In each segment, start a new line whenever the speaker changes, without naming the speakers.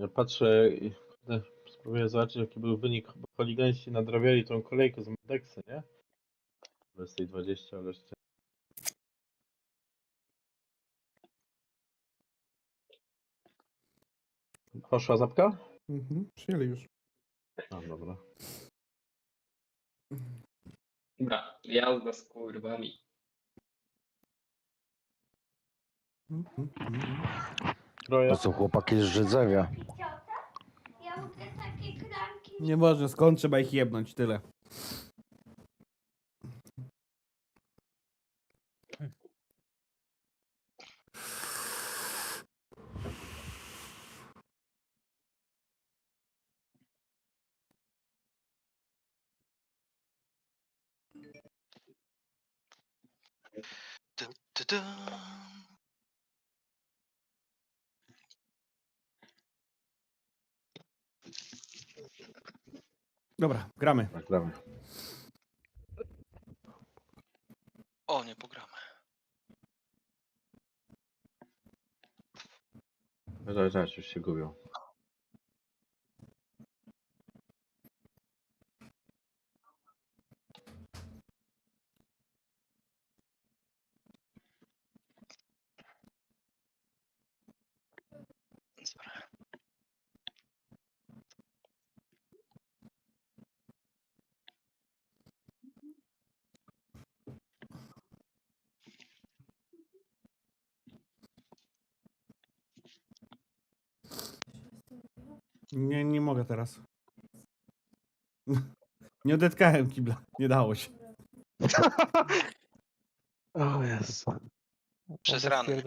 Ja patrzę i kurde, spróbuję zobaczyć jaki był wynik, bo holiganiści nadrabiali tą kolejkę z Medeksy, nie? 20:20, ale jeszcze... Poszła zapka?
Przyjęli już.
A, dobra.
Dobra, jazda z kurwami.
Troje.
To są chłopaki z Rzydzewia.
Ja lubię takie kranki.
Nie można, skąd trzeba ich jebnąć, tyle.
Dun, dun, dun.
Dobra, gramy.
Tak, gramy.
O, nie pogramy.
Zaraz już się gubią.
Dobra.
Nie mogę teraz. Nie odetkałem kibla, nie dało się.
O jest.
Przez rany.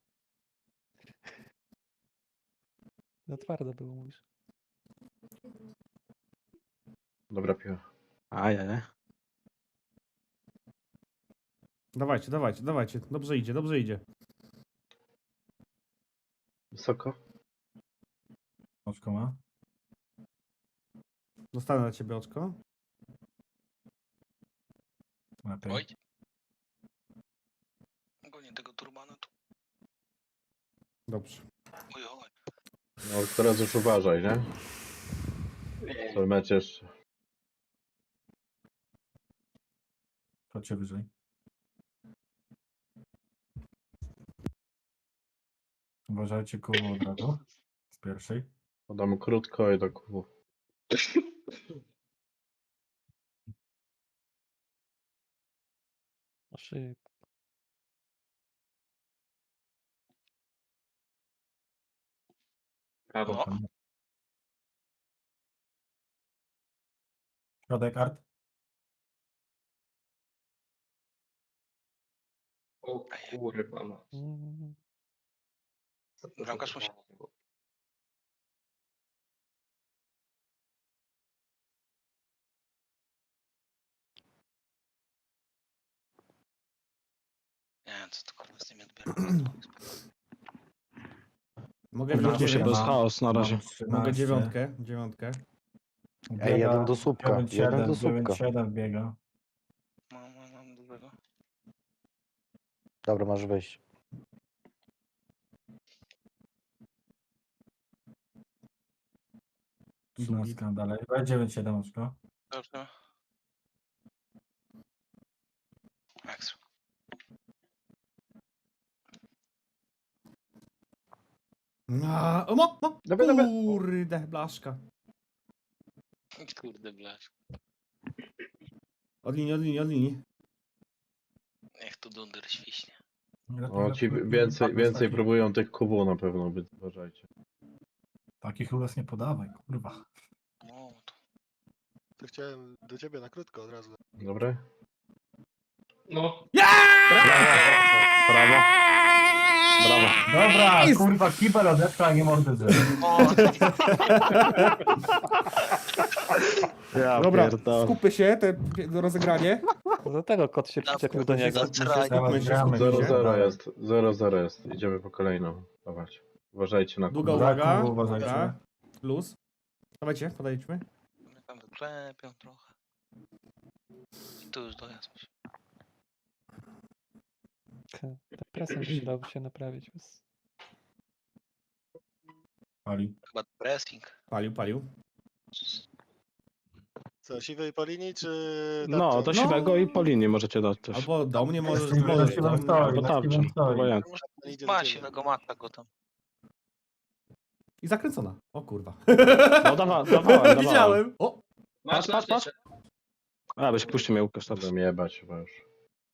No twardo było, mówisz.
Dobra piła.
Ajaj.
Dawajcie, dawajcie, dawajcie. Dobrze idzie, dobrze idzie.
Wysoko?
Oczko ma?
Dostanę na ciebie oczko.
Lepiej.
Oj. Ogólnie tego turbana tu.
Dobrze.
Oj, oj.
No teraz już uważaj, nie? To mecz jeszcze.
Chodźcie wyżej. Uważajcie koło od razu. Z pierwszej.
Podam krótko i do kubu.
O szyb.
Prawo.
No.
Środek art.
O kurwa ma.
Bramkarz musi... Nie wiem, co to kurwa z tymi odbiorami.
Mogę
Dobra,
wziąć
tu się
dziewięć-
bez
chaos na razie.
Mogę dziewiątkę.
Ej, jeden do słupka, jeden do słupka.
9-7 biega.
Mam dobrego.
Dobra, masz wyjść.
Subit dalej. 9-7 oczko.
Dobrze. Ekstra.
Dobra, dobra.
Kurde, blaszka.
Kurde blać.
Od linii, od linii, od linii.
Niech tu dunder świśnie.
O, ci więcej próbują tych kubu na pewno, więc uważajcie.
Takich rules nie podawaj, kurwa.
No, to...
To chciałem do ciebie na krótko od razu.
Dobre?
No.
Brawo. Brawo.
Dobra,
Jest!
kurwa, kibel odetkał, a nie mordy drzew.
Ja
Dobra, skupmy się, do rozegranie.
Dlatego kot się przyczepił do niego.
Skupmy się, skupmy
Gramy.
się.
0-0 jest. 0-0 jest. Idziemy po kolejną. Dawać. Uważajcie na
Długa
kubu.
uwaga.
Kubu, uważajcie.
Dobra. Luz. Dawajcie, podejdźmy.
Mnie tam wyklepią trochę. I tu już dojazd musi.
Ta presja przydałoby się naprawić.
Pali.
Chyba pressing.
Palił.
Co, siwej po linii, czy...
No,
tarczą?
do siwego i po linii możecie dać też.
Albo do mnie możesz,
Steven
możesz do
Steven
mnie.
stoi,
Albo
na
tarczą.
Steven stoi.
Obojętnie.
On idzie do
Ma
ciebie.
siwego, mata go tam.
I zakręcona. O kurwa.
No dawałem.
Widziałem. O,
Masz,
Patrz.
masz.
A, byś puścił mnie Łukasz teraz.
Będę jebać chyba już.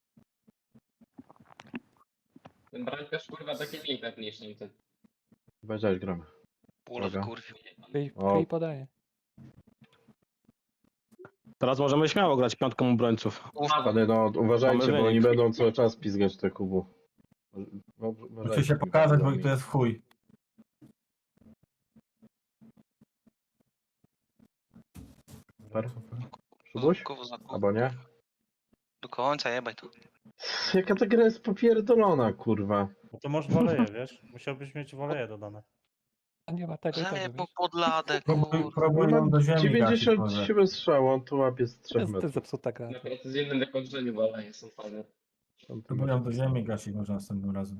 Ten bramkarz kurwa taki mniej pewniejszy niż ten.
Weź gramy.
Pulow
Uwaga.
kurwił.
O.
I podaje.
Teraz możemy śmiało grać piątką obrońców.
Ale no uważajcie,
Mamy
bo oni
wynik.
będą cały czas pizgać te kubu. No,
Muszę
uważajcie,
się pokazać, bo tu jest w chuj.
Super. Szubuś? Albo nie?
Do końca jebaj to.
Jaka ta gra jest popierdolona, kurwa.
No to masz woleje, wiesz? Musiałbyś mieć woleje dodane.
A nie ma tego i tego,
Zajebał
wiesz?
pod ladę,
Próbuj,
kurwa.
próbuj ją do ziemi gasić może.
97 strzał, on tu łapie z 3
To jest
metrów.
zepsuta gra.
Na precyzyjnym wykończeniu walaje są fajne.
Próbuj ją do ziemi gasić może następnym razem.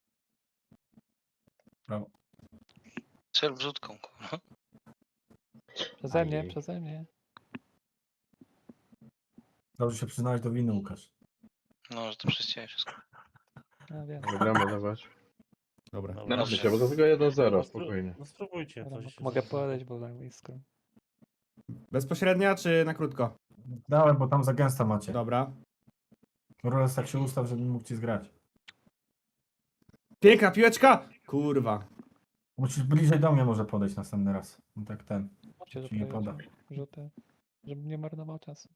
Brawo.
Strzel wrzutką, kurwa.
Ajej.
Przeze mnie.
Dobrze się przyznałeś do winy, Łukasz.
No, że to przez ciebie wszystko.
No wiem.
Gramy dawać.
Dobra.
No
Wiecie,
dobrze.
bo to tylko 1-0, spokojnie.
No spróbujcie
Dobra,
coś.
mogę podejść, bo tam jest skrom.
Bezpośrednia czy na krótko?
Dałem, bo tam za gęsto macie.
Dobra.
Roles tak się ustaw, żebym mógł ci zgrać.
Piękna piłeczka! Kurwa.
Musisz bliżej do mnie może podejść następny raz. No tak ten.
Chodźcie, że
Ci nie poda.
pojedzie. Rzuty. Żebym nie marnował czasu.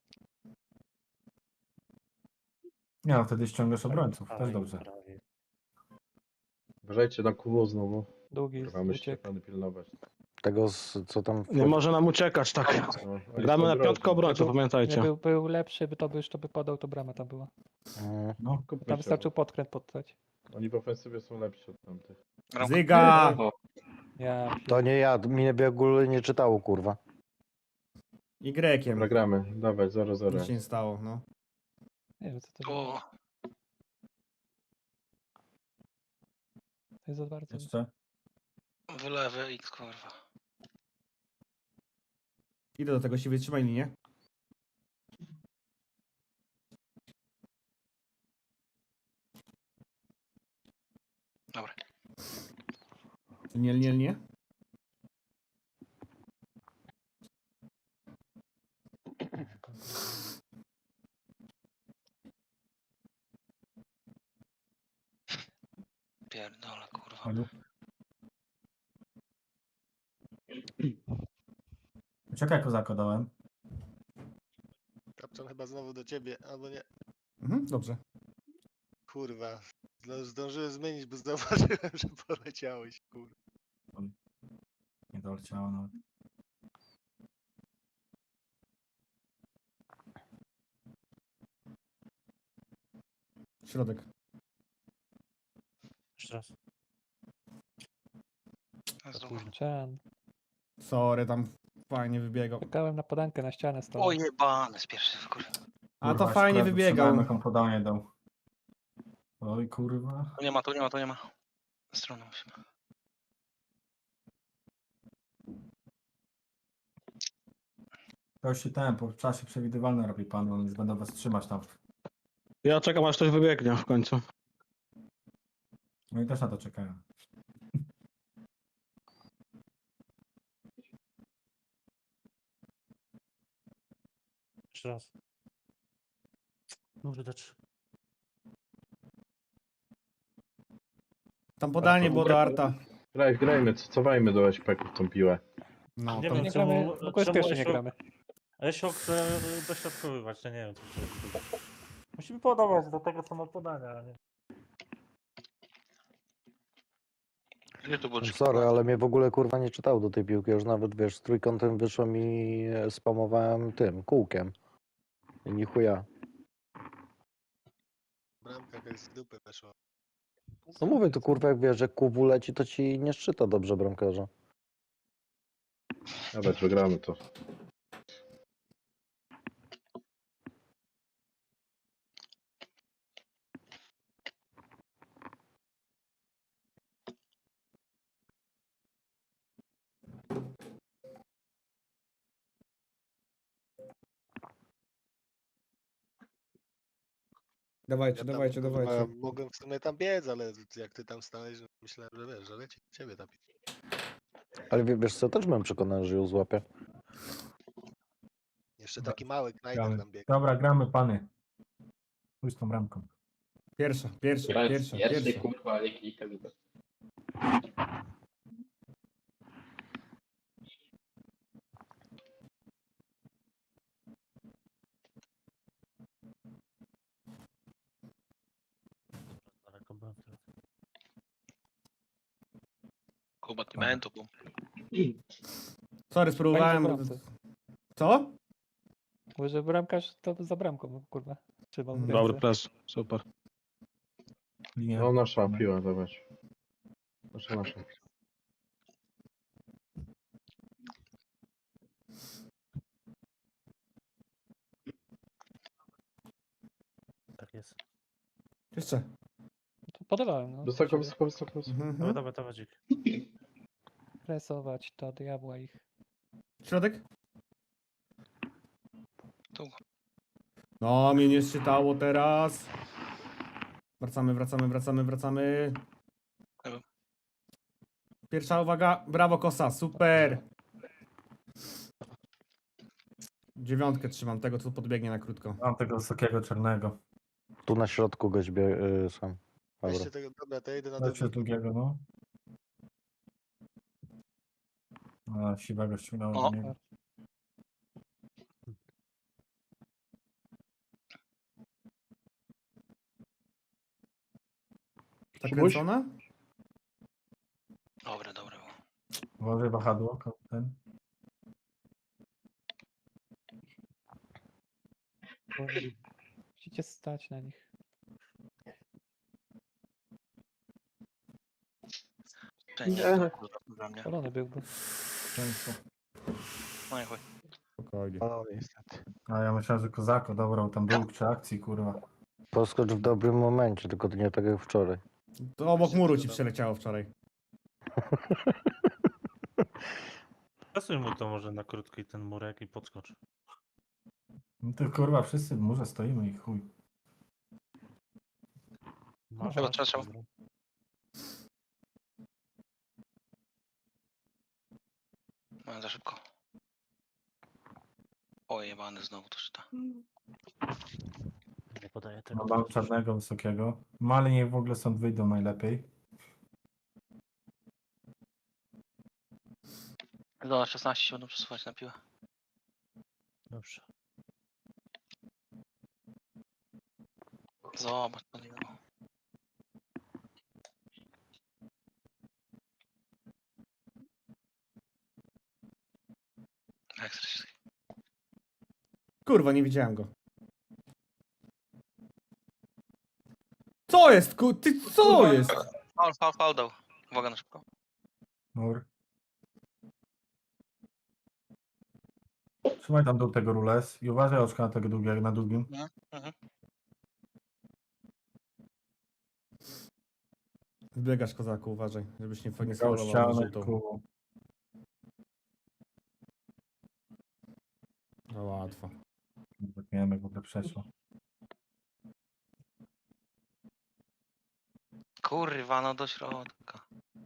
Nie no, wtedy ściągasz obrońców. Też dobrze.
Uważajcie na kubu znowu.
Długi
Kurwa, musicie
uciek.
pany pilnować.
Tego, co tam
Nie
wchodzi.
może nam uciekać tak.
No, oni
Gramy
są
na
groźni.
piątkę obrońców,
Nie
pamiętajcie.
był lepszy, by to by podał, to brama tam była.
No,
Kupmy
Tam
się,
wystarczył podkręt poddać.
bo Oni w ofensywie są lepsi od tamtych.
Bramka.
Zyga!
Ja
Tak.
To nie ja, mnie w ogóle nie czytało, kurwa.
Y-kiem.
Dobra, gramy. Dawaj, 0-0.
Nic się nie stało, no.
nie wiem co to było.
O,
To jest za bardzo.
jeszcze.
wylewy X, kurwa.
Idę do tego siwy, trzymaj linię.
Dobra.
Nie.
Pierdolę, kurwa.
Halo. Czekaj, kozako dałem.
Kapczan chyba znowu do ciebie, albo nie.
Dobrze.
Kurwa. Zdążyłem zmienić, bo zauważyłem, że poleciałeś, kurwa.
Nie doleciało nawet.
Środek.
Jeszcze raz.
Cian.
Sorry, tam fajnie wybiegał.
Czekałem na podankę na ścianę stałem.
O jebane z pierwszej kurwa.
A to
Kurwa,
fajnie
szkoda,
wybiegał.
sprzedałem, jaką podanie dał. Oj, kurwa.
Tu nie ma. Na stronę musimy.
To już się ten, po czasie przewidywalne robi pan, on już będą was trzymać tam.
Ja czekam aż ktoś wybiegnie w końcu.
No i też na to czekają.
Jeszcze raz. Może dać. Tam podanie było do Arta.
Grajmy, cofajmy do SPK-ów tą piłę.
No,
Nie
tam
wiem,
Nie gramy,
czemu-
w ogóle
czemu
pierwszy nie
Esio-
gramy.
Esio chce dośrodkowywać, ja nie wiem co to jest. Musimy podawać do tego co ma podania, a nie.
Ile to było?
Sorry, ale mnie w ogóle kurwa nie czytało do tej piłki. Już nawet wiesz, z trójkątem wyszło mi spamowałem tym kółkiem. I ni chuja.
Bramka jakaś z dupy weszła.
No mówię, to kurwa jak wiesz, że kubu leci, to ci nie szczyta dobrze bramkarza.
Dawać, wygramy to.
Dawajcie,
Ja tam,
dawajcie,
kurwa,
dawajcie.
mogłem w sumie tam biec, ale jak ty tam stałeś, no myślałem, że wiesz, że leci ciebie tam.
Ale wiesz co, też byłem przekonany, że ją złapię.
Jeszcze taki mały knajder
Gramy.
tam biegł.
Dobra, gramy, pany. Pójdź z tą bramką.
Pierwsza, pierwsza,
Grać
pierwsza,
pierwszy,
pierwsza.
kurwa, ale kilka minut.
Daleko byłem teraz.
Combattimento, boom.
Sorry, spróbowałem.
Fajnie, że
Co?
Mówię, że bramkarz to za bramką, kurwa. Trzymał w
Dobry
Dobry
ręce.
pres, super.
Linia.
No nasza piła, zobacz. Nasza.
Tak jest.
Jeszcze.
To podawałem, no.
Wysoko, wysoko, wysoko, wysoko.
Mhm,
Dawaj,
mhm.
dawaj, dawaj, dzik.
Presować to diabła ich.
Środek?
Tu.
No, mnie nie czytało teraz. Wracamy, wracamy, wracamy, wracamy.
Dobra.
Pierwsza uwaga. Brawo, Kosa, super. 9 trzymam, tego co podbiegnie na krótko.
Mam tego wysokiego czarnego.
Tu na środku goś sam. Dobra.
Weźcie tego, dobra, to ja idę na
Lepszy
drugi.
drugiego, no. A, siwego ściągnąłem
O.
do niego.
Zakręcona?
Dobre, dobre. było.
Uważaj wahadło, ten.
Musicie stać na nich.
Wszędzie
Nie.
to, kurwa, dla mnie.
Spalony byłby.
Często.
No i chuj.
Spokojnie.
No niestety.
A ja myślałem, że kozako dobrał tam dług czy akcji, kurwa.
Poskocz w dobrym momencie, tylko to nie tak jak wczoraj.
To obok muru ci przeleciało wczoraj.
Przesuń mu to może na krótki ten murek i podskocz.
No to kurwa, wszyscy w murze stoimy i chuj.
Masz
Chyba
rację,
trzeba.
dobra.
No, za szybko. O, jebany znowu to czyta.
Nie podaję tego.
Mam czarnego, wysokiego. Mali niech w ogóle stąd wyjdą najlepiej.
Do 16 się będą przesuwać na piłę.
Dobrze.
Zobacz, to nie było. Ekstra się.
Kurwa, nie widziałem go. Co jest, ty co jest?
Faul dał. Uwaga na szybko.
Mur. Trzymaj tam dół tego rules i uważaj oczka na tego długiego, na długim.
Mhm.
Zbiegasz, kozaku, uważaj, żebyś nie
Biegał
faulował na
ścianę
żółtą.
ku...
No łatwo.
Nie wiem jak w ogóle przeszło.
Kurwa, no do środka.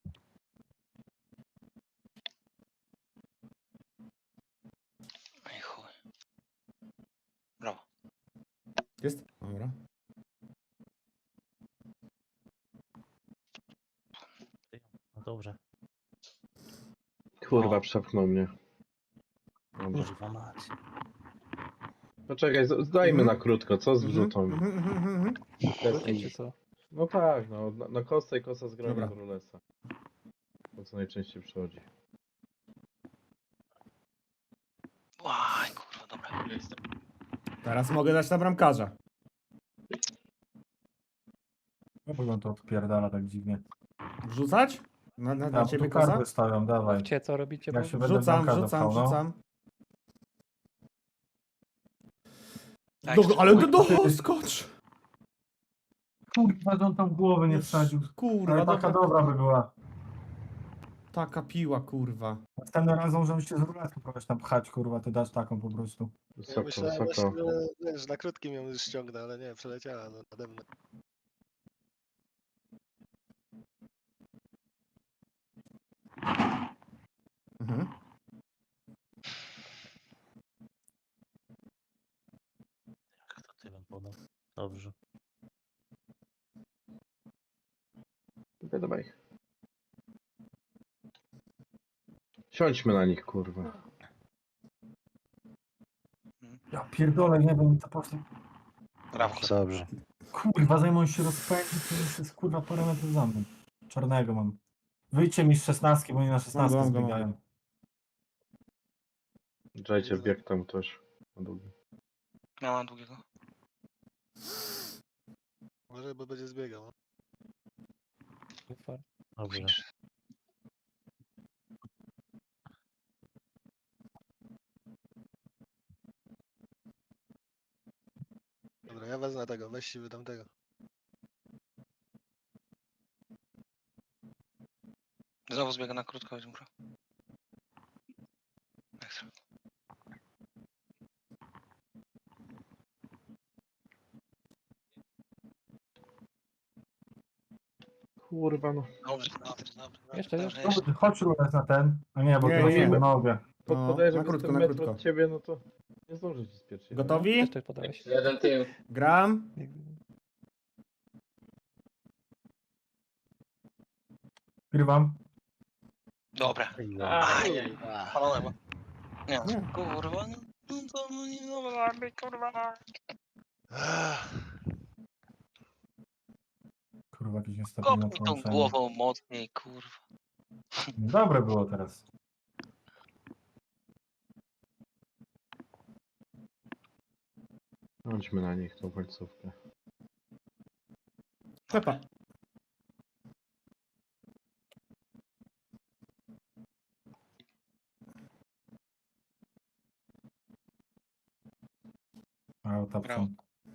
Ej chuj. Brawo.
Jest? Dobra.
No dobrze.
Kurwa,
O.
przepchnął mnie. Dobra.
Kurwa mać.
Poczekaj, zdajmy na krótko, co z wrzutą?
Mhm.
Krótkie czy co?
No tak, no, na kostę i kosa z
Dobra.
do rulesa. To co najczęściej przychodzi.
Łaj, kurwa, dobra.
Jestem.
Teraz mogę dać na bramkarza.
No bo on to odpierdala tak dziwnie.
Wrzucać? Na
Ja
ciebie
tu
kosa?
karby stawiam, dawaj.
Mówcie, co robicie,
Jak
bo
się będę
Wrzucam,
bramkarza
wrzucam,
pchał, no.
wrzucam.
Tak,
Ale
chuj.
doskocz!
Kurwa, że on tam głowy nie wsadził.
Kurwa,
Ale taka
dobra.
dobra by była.
Taka piła, kurwa.
Następnym razem możemy się z ruletką próbować tam pchać, kurwa, ty dasz taką po prostu.
Ja
Wysoko,
myślałem
wysoko.
właśnie, że wiesz, na krótkim ją już ściągnę, ale nie, przeleciała no, nade mną.
Mhm.
Jak to ty bym podał? Dobrze.
Dawaj. Siądźmy na nich, kurwa.
Ja pierdolę, nie wiem, co poszło.
Brawo.
Dobrze.
Kurwa, zanim on się rozpędzi, to już jest kurwa parę metrów za mną. Czarnego mam. Wyjdźcie mi z 16, bo oni na 16
Mam go.
zbiegają.
Dajcie bieg tam też. Na długi.
Ja mam długiego.
Może, bo będzie zbiegał. no.
Dobrze.
Dobra, ja wezmę tego, weź siły tamtego.
Znowu zbiega na krótko, dobra. Ekstra.
Kurwa no.
Dobrze, dobrze.
Jeszcze,
Dobrze,
jeszcze.
Chodź rulet na ten. A nie, bo
Nie,
to
nie.
nie mogę.
No,
Podejrzę,
na
że
krótko,
jestem
na
metr
krótko.
od ciebie, no to nie zdążę ci spieprzyć.
Gotowi?
Też coś podałeś.
Jeden tył.
Gram.
Grywam.
Dobra.
Ajaj.
Palone, bo... Nie,
Nie.
kurwa, no to no nie dobra, kurwa.
Kurwa, jakieś niestabilne
Kopnij tą
połączenie.
głową mocniej, kurwa.
Dobre było teraz.
Chodźmy na nich tą końcówkę.
Pepa.
A, ta
Brawo.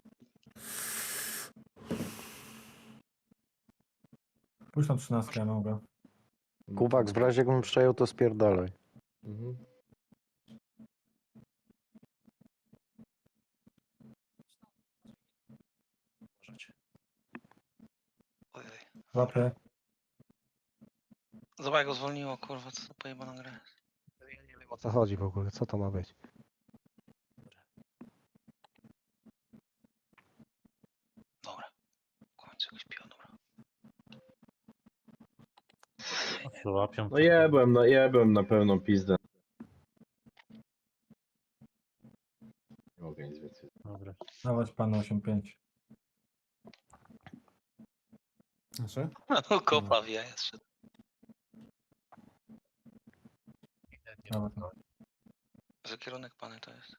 Pójdź na 13, ja mogę.
Kuwak, w razie jakbym przejął, to spierdalaj.
Mhm.
Możecie.
Ojej.
Łapy.
Zobacz, jak go zwolniło, kurwa, co to pojebana gra.
Ja nie wiem, o co chodzi w ogóle, co to ma być.
Dobra. W końcu jakoś piła, dobra.
Łapią.
No jebłem na pełną pizdę. Nie mogę nic więcej.
Dobra.
Dawać panu 8-5.
Nasze?
No kopa w jaja zszedł.
Dawać.
Za kierunek pany to jest.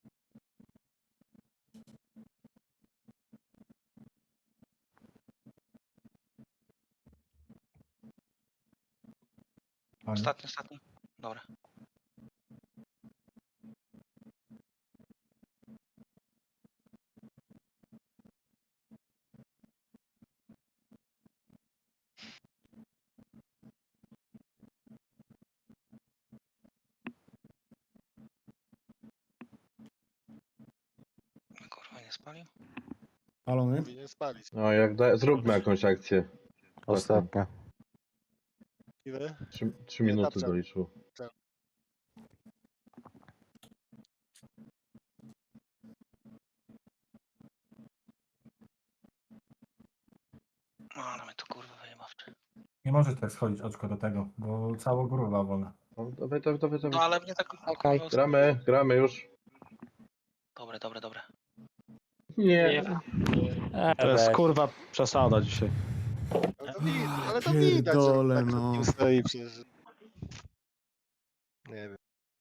Ostatni. Dobra. Kurwa, nie spalił?
Palony?
Powinien spalić.
No zróbmy jakąś akcję.
Ostatnia.
Ile?
3 minuty
tarcza.
doliczył.
No, ale mnie to kurwa wyjebawczy.
Nie możesz tak schodzić oczko do tego, bo cała góra wolna.
No, dawaj.
No ale mnie tak
Okej.
kurwa,
Gramy już.
Dobre.
Nie.
To jest
weź.
kurwa przesada dzisiaj.
Ale to widać, że
Pierdolę,
tak
no.
no. Stoi przecież. Nie wiem.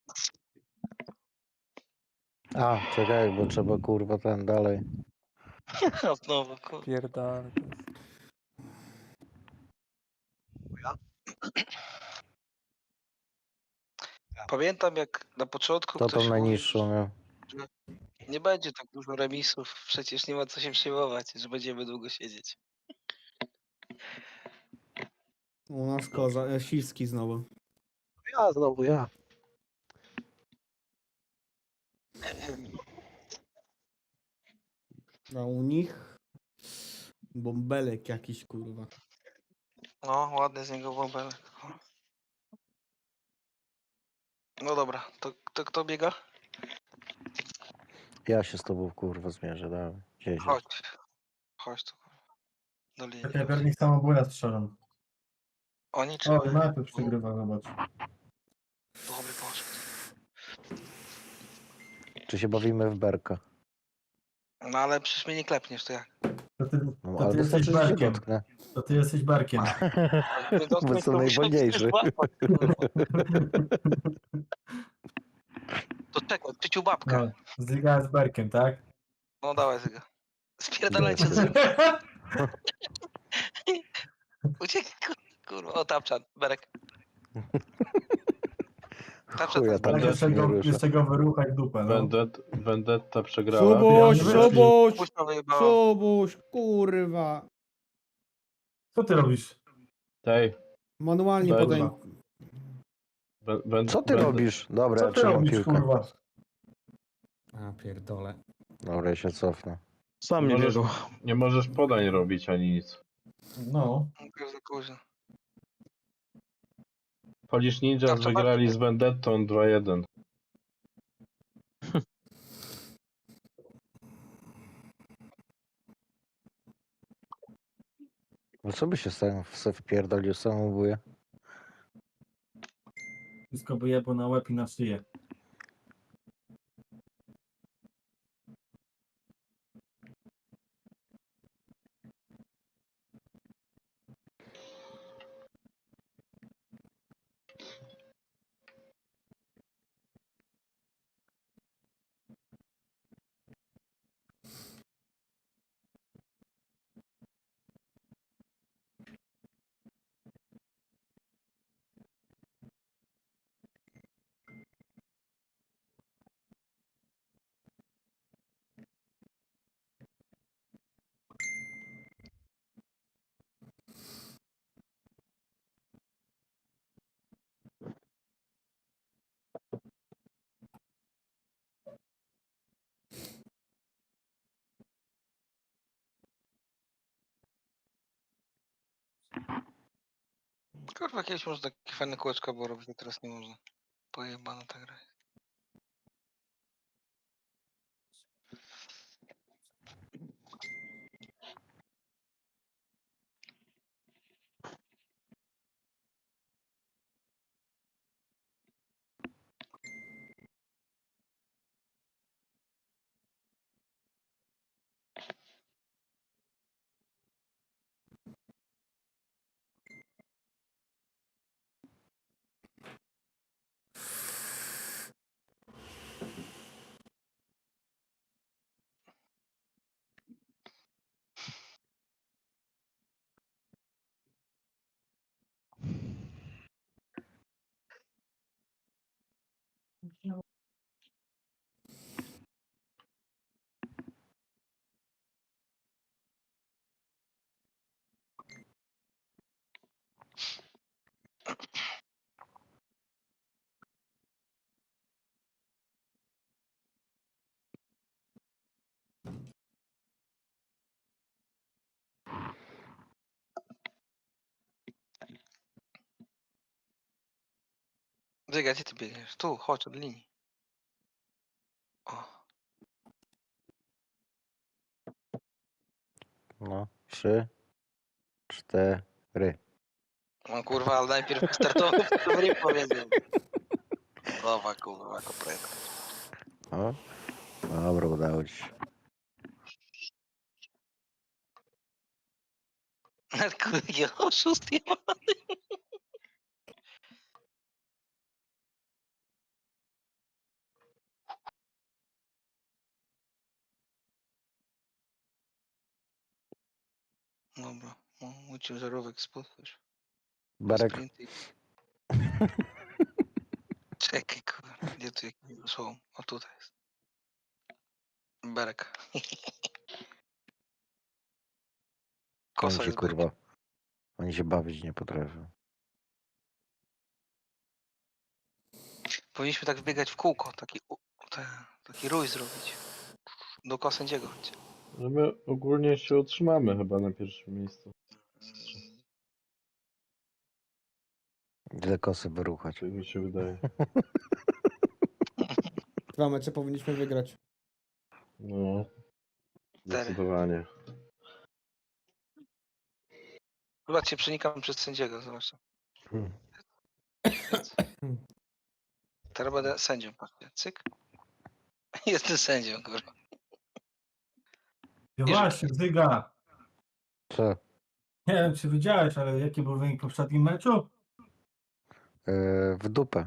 A, czekaj, bo trzeba kurwa ten dalej.
Znowu, kurwa.
Pierdolę.
Pamiętam jak na początku
To
ktoś
tą
mówił,
najniższą miał.
że nie będzie tak dużo remisów, przecież nie ma co się przejmować, że będziemy długo siedzieć.
U nas koza, Siwski znowu.
Ja znowu, ja.
A u nich bąbelek jakiś, kurwa.
No, ładny z niego bąbelek. No dobra, to kto biega?
Ja się z tobą, kurwa, zmierzę, dawaj. Gdzieś.
Chodź. Chodź tu. Do linii.
Czekaj, pewnie samobójna strzelam.
Oni czy
O,
my?
najpierw przegrywa, zobacz.
Dobry poszedł.
Czy się bawimy w berka?
No ale przecież mnie nie klepniesz, to jak?
To ty,
No,
to
ale
ty jesteś
wystarczy, że się
berkiem.
dotknę.
To ty jesteś berkiem.
Bo co najwolniejszy.
To czekaj, czyciu babkę.
No, Zyga z berkiem, tak?
No dawaj Zyga. Spierdalajcie
Idę.
ze mnie. Uciekaj, kurwa. O, tapczan, Berek. Tapczan,
Chuja,
tam
tam
Tak,
też nie rusza.
jeszcze go wyruchaj w dupę, no.
Vendetta przegrała.
Szubuś,
Ja nie
Szubuś,
Puśno wyjebało.
Szubuś, kurwa.
Co ty robisz?
Tej.
Manualnie
Dobra.
potem.
Co ty robisz? Dobra,
Co
ja
ty
trzymam
robisz,
piłkę.
kurwa?
A pierdole.
Dobra, ja się cofnę.
Sam nie
Możesz,
biegł.
nie możesz podań robić ani nic.
No.
To jest za późno.
Polish Ninjas
Dobrze,
wygrali
bardzo.
z Vendettą 2-1.
No co by się se wpierdolił samobój?
Wszystko wyjebło na łeb i na szyję.
Kurwa, kiedyś można takie fajne kółeczka było robić, a teraz nie można. Pojebana ta gra. Zyga, gdzie ty biegniesz? Tu, chodź od linii. O.
No, 3, 4.
No kurwa, ale najpierw startował, to nie powiedział. Nowa kurwa, kopreta.
O, dobra, udało ci się.
Kurde, oszust jebany. Dobra, mój ciężarówek spotkasz.
Berek,
Czekaj, kurwa, gdzie tu jakieś są? O, tutaj jest. Berek. Kosa
ci
jest
kurwa. Oni się bawić nie potrafią.
Powinniśmy tak wbiegać w kółko, taki rój zrobić. Dookoła sędziego.
No my ogólnie się utrzymamy chyba na pierwszym miejscu.
Ile kosy wyruchać.
Tak mi się wydaje.
2 mecze powinniśmy wygrać.
No. Zdecydowanie.
Chyba cię przenikam przez sędziego, zobacz.
Hmm.
Teraz będę sędzią, patrzcie. Cyk. Jestem sędzią, kurwa.
No właśnie, Zyga.
Co?
Nie wiem, czy widziałeś, ale jaki był wynik w poprzednim meczu?
W dupę.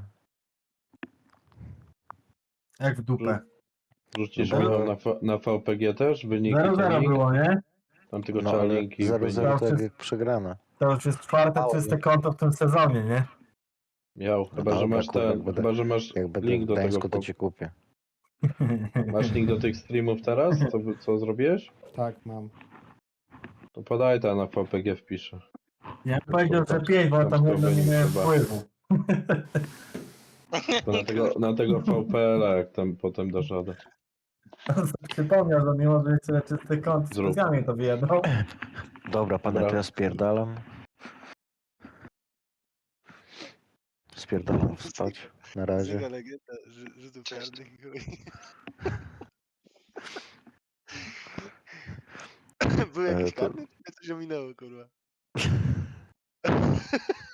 Jak w dupę.
Rzucisz
No bo-
Michał na VPG też? Wyniki
0-0
trening?
było, nie?
Tam tylko
No,
trzeba
ale
linki.
0-0 to
Przez-
jak przegrane.
To już jest czwarte
Mało,
czyste
nie?
konto w tym sezonie, nie?
Miał, chyba że
dobra,
masz
kurwa, jak będę-
chyba że masz
Jak będę
link
w
do tego.
Gdańsku, to ci kupię.
Masz link do tych streamów teraz? Co zrobiłeś?
Tak, mam.
To podaj to na VPG wpiszę.
Ja bym powiedział, że 5, bo tam
Tam
jedno nie
wynik
miałem
chyba.
wpływu.
To na tego VPL-a jak tam potem dasz radę.
Przypomniał, że mimo, że jest tyle czysty kąt,
Zrób.
specjalnie to wyjadał.
Dobra, panie,
Dobra.
to ja spierdalam. Spierdalam spać. Na razie.
Zyga legenda rzutów
Cześć.
karnych. chuj. Był jakiś
to-
karny? Mnie coś ominęło, kurwa.